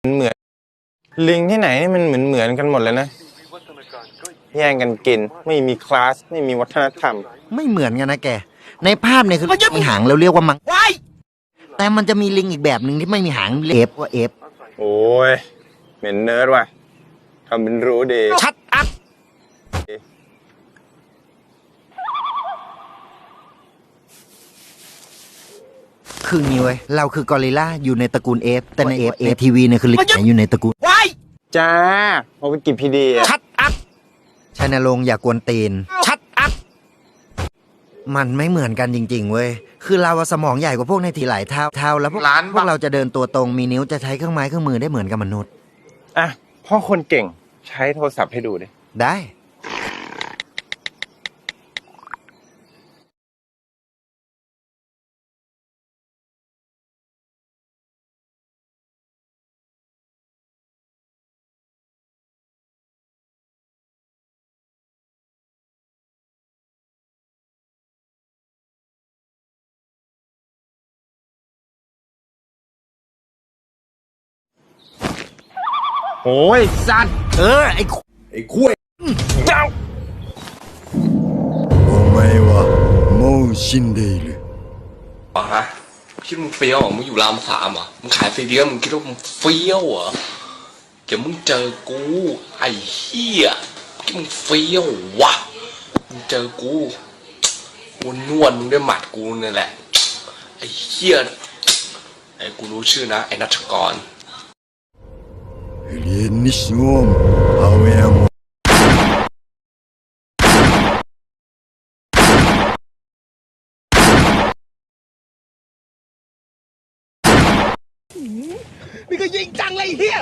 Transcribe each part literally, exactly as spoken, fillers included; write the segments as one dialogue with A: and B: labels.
A: เหมือนลิงที่ไหนนี่มันเหมือนเหมือนกันหมดเลยนะแย่งกันกินไม่มีคลาสไม่มีวัฒนธรรม
B: ไม่เหมือนกันนะแกในภาพเนี่ยคือมีหางเราเรียกว่ามังแต่มันจะมีลิงอีกแบบหนึ่งที่ไม่มีหางเรียกว่าเอฟ
A: โอ้ยเหม็นเนิร์ดว่ะทำเป็นรู้ดี
B: ชัดอัพคืองี้เว้ยเราคือกอริลลาอยู่ในตระกูลเอฟแต่ในเอฟเอฟทีวีเนี่ยคือลิงอยู่ในตระกูล
A: ว้ายจ้าพอไปกินพีดี
B: ชัดอัพชายนรงค์อย่ากวนตีนชัดอัพมันไม่เหมือนกันจริงๆเว้ยคือเราสมองใหญ่กว่าพวกในทีหลายเท่าเท่าแล้วพวกพวกเราจะเดินตัวตรงมีนิ้วจะใช้เครื่องไม้เครื่องมือได้เหมือนกับมนุษย์
A: อ่ะพ่อคนเก่งใช้โทรศัพท์ให้ดูดิ
B: ได้
A: โอ้ยสัตว์
B: เออไอ้
A: ไอ้คุ้ยเจ้า
C: お前はもう死んでいる
D: อ๋อฮะคิดมึงเฟี้ยวมึงอยู่รามสามอ่ะมึงขายไฟเดียวมึงคิดว่ามึงเฟี้ยวเหรอเดี๋ยวมึงเจอกูไอ้เหี้ยคิดมึงเฟี้ยววะมึงเจอกูกูนวดมึงด้วยหมัดกูนี่แหละไอ้เหี้ยไอ้กูรู้ชื่อนะไอ้นัชกร
C: เรียนนิสงมเอาเอง
A: นี่ก็ยิงจังเลยเฮีย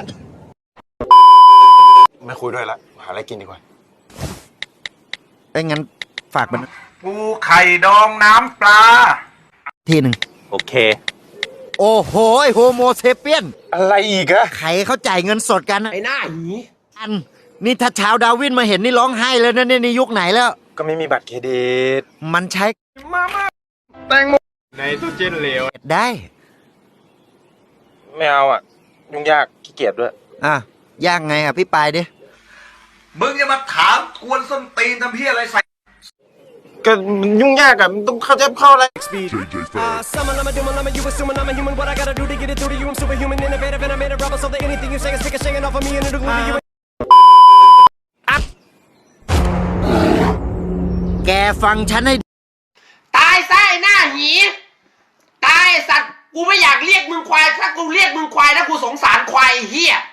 A: ไม่คุยด้วยละหาอะไรกินดีกว่า
B: ไอ้งั้นฝากมัน
A: ปูไข่ดองน้ำปลา
B: ทีหนึ่ง
A: โอเค
B: โอ้โหโฮโมเซเปียน
A: อะไรอีกอะ
B: ใครเขาจ่ายเงินสดกัน
D: ไอ้หน้าหนี
B: อันนี่ถ้าชาวดาวินมาเห็นนี่ร้องไห้เลยนะเนี่ยในยุคไหนแล้ว
A: ก็ไม่มีบัตรเครดิต
B: มันใช้
A: มามาแตงโมในตู้เจนเหลว
B: ได้
A: ไม่เอาอ่ะยุ่งยากขี้เกียจด้วย
B: อ่ะยากไงอ่ะพี่ปายดิ
D: มึงจะมาถามกวนส้นตีนทำเพี้ยอะไรใส่
A: ก็ยุ่งยากอะต้องเข้าใจเข้าอะไร
B: แกฟังฉันให้
E: ตายซะไอ้หน้าหีตายสัตว์กูไม่อยากเรียกมึงควายถ้ากูเรียกมึงควายนะกูสงสารควายเฮีย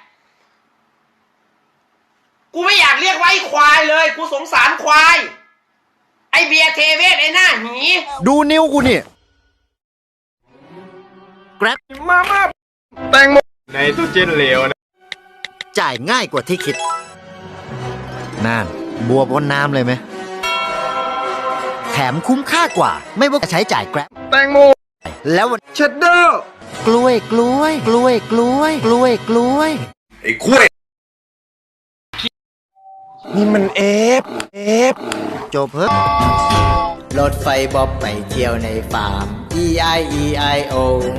E: กูไม่อยากเรียกว่าไอ้ควายเลยกูสงสารควายไอเบียร์เทเวศไอ้หน้าหี
B: ดูนิ้วกูนี่แกร็บ
A: มามาแตงโมในตู้เจนเหลวนะ
B: จ่ายง่ายกว่าที่คิดนั่นบัวบนน้ำเลยไหมแถมคุ้มค่ากว่าไม่ว่าจะใช้จ่ายแกร็บ
A: แตงโม
B: แล้ว
A: เชดเดอร์
B: กล้วยกล้วยกล้วยกล้วยกล้วยกล้วย
D: ไอ้คุ้ย
A: นี่มันเอฟเอฟ
B: จบเพิ่ม
F: รถไฟบ๊อบไปเที่ยวในฟาร์ม E I E I O